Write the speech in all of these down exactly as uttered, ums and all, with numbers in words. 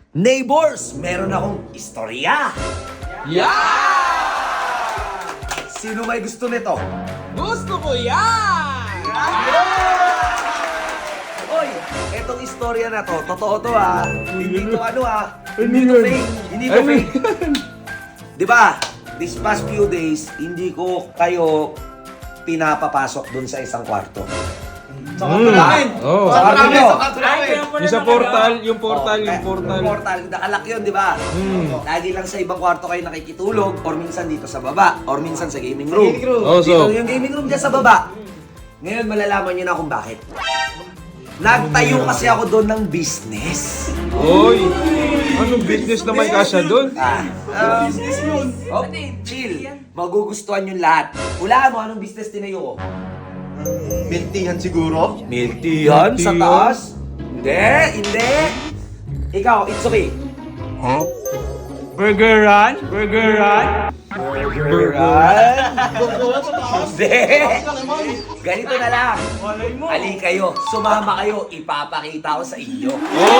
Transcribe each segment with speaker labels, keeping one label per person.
Speaker 1: Neighbors, meron akong istorya.
Speaker 2: Yeah!
Speaker 1: Sino may gusto nito?
Speaker 2: Gusto ko yan!
Speaker 1: Oy, etong istorya na to, totoo to ha. Hindi to ano ha. Hindi to fake. Hindi to fake. Di ba? This past few days, hindi ko kayo pinapapasok dun sa isang kwarto.
Speaker 2: Sa kwarto namin!
Speaker 3: Oh.
Speaker 1: Sa kwarto nyo.
Speaker 3: Yung sa portal, yung portal,
Speaker 1: Oh,
Speaker 3: yung
Speaker 1: eh,
Speaker 3: portal.
Speaker 1: Yung portal, nakalak yun, di ba?
Speaker 3: Hmm.
Speaker 1: Lagi lang sa ibang kwarto kayo nakikitulog, or minsan dito sa baba, or minsan sa gaming room.
Speaker 2: gaming room.
Speaker 3: Oh,
Speaker 1: Dito
Speaker 3: so,
Speaker 1: yung gaming room dyan sa baba. Ngayon, malalaman nyo na kung bakit. Nagtayo kasi ako doon ng business.
Speaker 3: oy, anong business naman kasya doon?
Speaker 1: Ah, um, business yun. Oh, chill. Magugustuhan yung lahat. Hulaan mo, anong business tinayo ko?
Speaker 4: Miltihan siguro?
Speaker 1: Miltihan sa
Speaker 3: Miltihan?
Speaker 1: taas? Hindi, hindi. Ikaw, it's okay.
Speaker 3: Burgeran? Burgeran?
Speaker 1: Burgeran? Hindi. Ganito na lang. Ali kayo, sumama kayo, ipapakita ko sa inyo.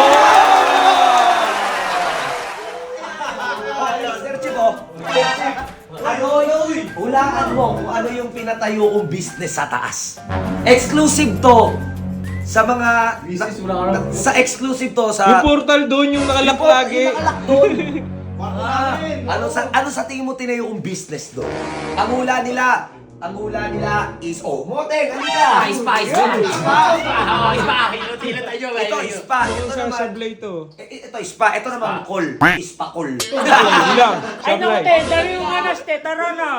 Speaker 1: Sir Chico, ano yung, hulaan mo kung ano yung pinatayo kong business sa taas. Exclusive to sa mga, na- sa exclusive to sa...
Speaker 3: Yung portal doon, yung nakalak
Speaker 1: Yung po-
Speaker 3: lagi.
Speaker 1: yung nakalak doon. Ah, ano sa ano sa tingin mo tinayo yung business doon? Ang hula nila, ang hula nila is oh, Moteng, ano ka?
Speaker 2: Spa, spa, spa! Oo, spa! Hinutilan tayo,
Speaker 1: Ito spa, ito
Speaker 3: Yung sa
Speaker 1: naman.
Speaker 3: sablay to.
Speaker 1: Eh, eh, Ito spa, ito naman call. Spa call.
Speaker 3: Hindi lang,
Speaker 5: Ay, naku,
Speaker 3: sablay.
Speaker 5: te, dami yung anas, te, tara na.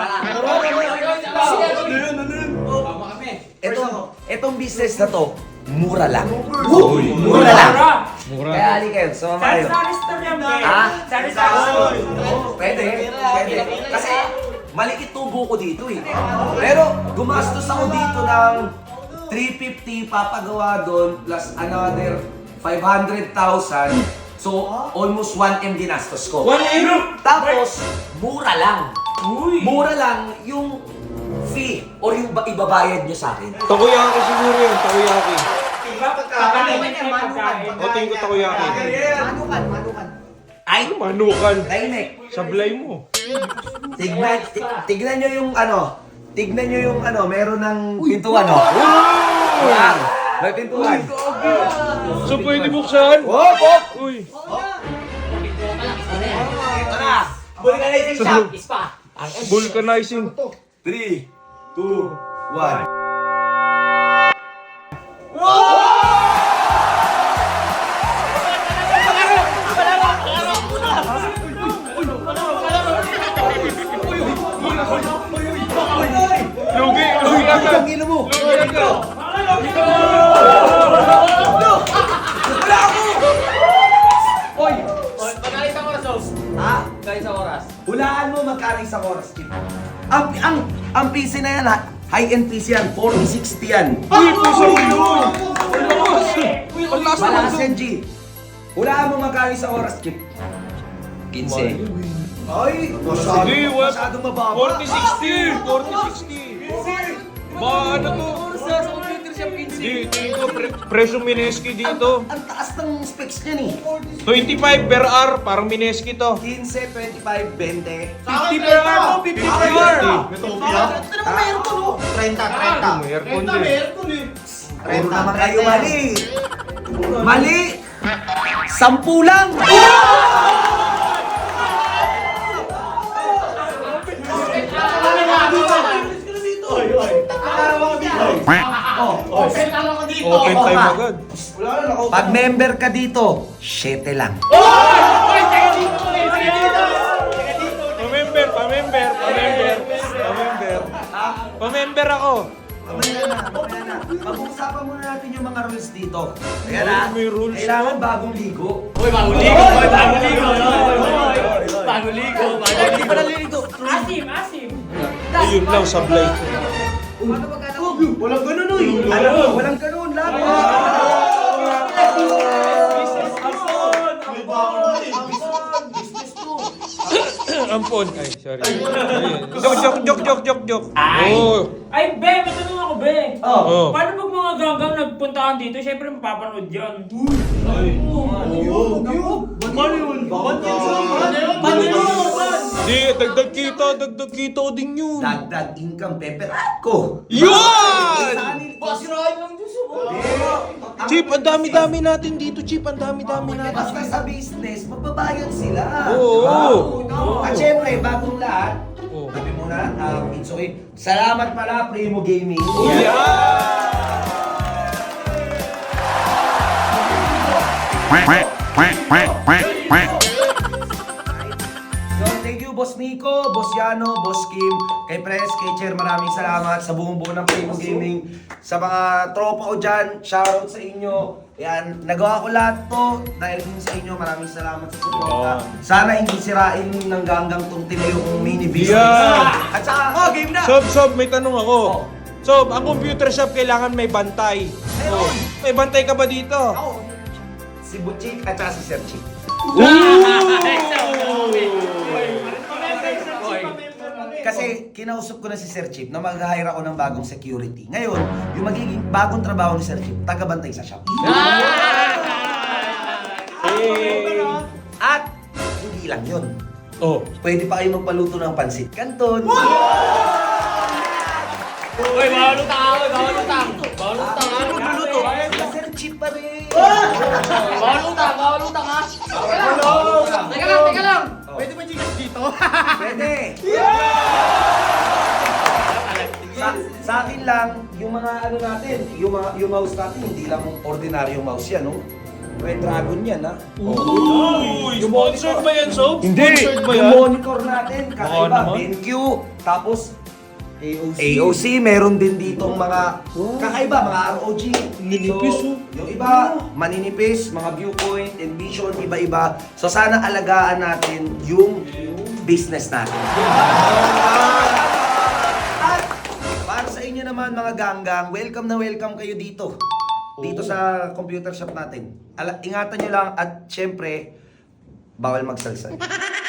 Speaker 1: Ito, itong business na to, mura lang. Mura lang.
Speaker 3: Mura.
Speaker 1: Kaya ali kayo, sumama kayo.
Speaker 5: Sari store yan, be.
Speaker 1: Ha?
Speaker 5: Sari store.
Speaker 1: Oo, pwede, pwede. Kasi malikit tubo ko dito eh. Pero gumastos ako dito ng three fifty papagawa doon plus another five hundred thousand. So, almost one M ginastos ko.
Speaker 3: one M?
Speaker 1: Tapos, mura lang. Mura lang yung fee or yung ba- ibabayad nyo sa akin.
Speaker 3: Takoyaki siguro yun, takoyaki.
Speaker 5: Pagkain yan, pagkain.
Speaker 3: O, tingin ko takoyaki.
Speaker 2: Manukan, manukan.
Speaker 1: Ay,
Speaker 3: Manukan.
Speaker 1: tahimik.
Speaker 3: Sablay mo.
Speaker 1: Tignan, ti- tignan nyo yung ano, tignan nyo yung ano, meron ng pintuan, no? Wow! May pintuan.
Speaker 3: So, pwede buksan?
Speaker 1: Hop, hop!
Speaker 3: Uy.
Speaker 1: Ito na! Vulcanizing shop!
Speaker 2: Spa!
Speaker 3: Vulcanizing.
Speaker 1: three, two, one.
Speaker 3: Lugi, lugi agad.
Speaker 1: Ang ilo mo!
Speaker 3: Lugi agad.
Speaker 1: Oy!
Speaker 2: Magkano isang oras, Os?
Speaker 1: Ha?
Speaker 2: Magkano isang oras?
Speaker 1: Hulaan mo magkano isang oras, Kim. Ang, ang, ang P C na yan, ha? High-end P C yan, forty sixty yan.
Speaker 3: Uy, puso mo yun. Ang lakas naman
Speaker 1: Malakas
Speaker 3: doon.
Speaker 1: yan, G. Hulaan mo magkano isang oras, Kim. fifteen. Ay, masyado,
Speaker 3: Sige, what?
Speaker 1: masyadong mababa.
Speaker 3: forty sixty. forty sixty. Ba, ano to? Di, dito, pre presyo Mineski dito.
Speaker 1: Ang taas ng specs niya ni.
Speaker 3: twenty-five per hour, parang Mineski to.
Speaker 1: fifteen, twenty-five, twenty.
Speaker 3: fifty per hour mo, fifty per hour.
Speaker 4: Ito naman mayroon ko, no? trenta, trenta.
Speaker 3: May aircon din.
Speaker 1: Puro naman kayo mali. Mali! Sampu lang!
Speaker 2: Open lang ako dito!
Speaker 3: Open
Speaker 1: Oo,
Speaker 3: time
Speaker 1: ma.
Speaker 3: agad.
Speaker 1: Pag member ka dito, syete lang.
Speaker 3: Pa-member, pa-member, pa-member, pa-member. Pa-member ako.
Speaker 1: Mamaya na, mamaya na. Pag-uusapan muna natin yung mga rules dito. Kaya na,
Speaker 3: May rules.
Speaker 1: kailangan bagong ligo.
Speaker 2: Uy, bagong ligo! Uy, bagong ligo! Bagong ligo! Bagong ligo!
Speaker 5: Asim, asim.
Speaker 3: Ayun lang, sablay.
Speaker 1: Walang ganun, uy. Alam mo, walang ganun. Laban.
Speaker 3: Ampon. Ay, sorry. Ayun. Joke, joke, joke, joke, joke, joke.
Speaker 5: Ay!
Speaker 3: Oh.
Speaker 5: Ay, be, may tanong ako, be.
Speaker 1: Oh.
Speaker 3: Oh.
Speaker 5: Paano pag mga ganggang nagpuntahan dito, syempre mapapanood yan.
Speaker 4: Ano yun?
Speaker 3: dagdag kita, dagdag kita din yun.
Speaker 1: Dagdag income, peperat ko.
Speaker 3: Yun!
Speaker 2: Boss Roy lang dyan sa
Speaker 3: Chip, ang dami-dami natin dito, Chip. Ang dami-dami natin.
Speaker 1: Basta sa business, magbabayad sila.
Speaker 3: Oo.
Speaker 1: Diba? At syempre, bagong lahat,
Speaker 3: Oo.
Speaker 1: sabi mo na, um, it's okay. Salamat pala, Primo Gaming. So, thank you, Boss Nico, Boss Yano, Boss Kim, kay Pres, kay Chair, maraming salamat sa buong buo ng Primo Gaming. Sa mga tropa ko dyan, shoutout sa inyo. Yan, nagawa ko lahat to dahil din sa inyo. Maraming salamat sa suporta. Sana hindi sirain ng ganggang tong tinayo kong mini business.
Speaker 3: Yeah.
Speaker 1: At saka, oh, game na!
Speaker 3: Sob, Sob, may tanong ako.
Speaker 1: Oh.
Speaker 3: Sob, ang computer shop kailangan may bantay. Oh. May bantay ka ba dito?
Speaker 1: Ako, si Butchik at saka si Sir Chick. Kasi kinausap ko na si Sir Chip na mag-hire ako ng bagong security. Ngayon, yung magiging bagong trabaho ni Sir Chip, taga-bantay sa shop. At hindi lang yun.
Speaker 3: Oh.
Speaker 1: Pwede pa kayo magpaluto ng pansit canton.
Speaker 2: Uy, bawal utang ako, bawal utang. Bawal utang ha.
Speaker 1: Magluluto. Si Sir Chip pa rin.
Speaker 2: Bawal utang, bawal utang ha. Teka lang, teka lang.
Speaker 4: Pwede ba chikas dito?
Speaker 1: Pwede. Sa, sa akin lang, yung mga ano natin, yung, mga, yung mouse natin, hindi lang ordinaryong mouse yan, no? Red Dragon yan, ha?
Speaker 3: Uy, sponsored ba yan, Sob?
Speaker 1: Hindi!
Speaker 3: Sponsored ba
Speaker 1: Yung
Speaker 3: yan?
Speaker 1: monitor natin,
Speaker 3: Baka
Speaker 1: kakaiba,
Speaker 3: naman.
Speaker 1: BenQ, tapos A O C, meron din ditong mga kakaiba, mga R O G.
Speaker 3: Ninipis,
Speaker 1: So,
Speaker 3: oh.
Speaker 1: yung iba, maninipis, mga viewpoint, envision, iba-iba. So sana alagaan natin yung business natin. At para sa inyo naman mga ganggang, welcome na welcome kayo dito. Dito sa computer shop natin. Ala, ingatan nyo lang at syempre, bawal magsalsal.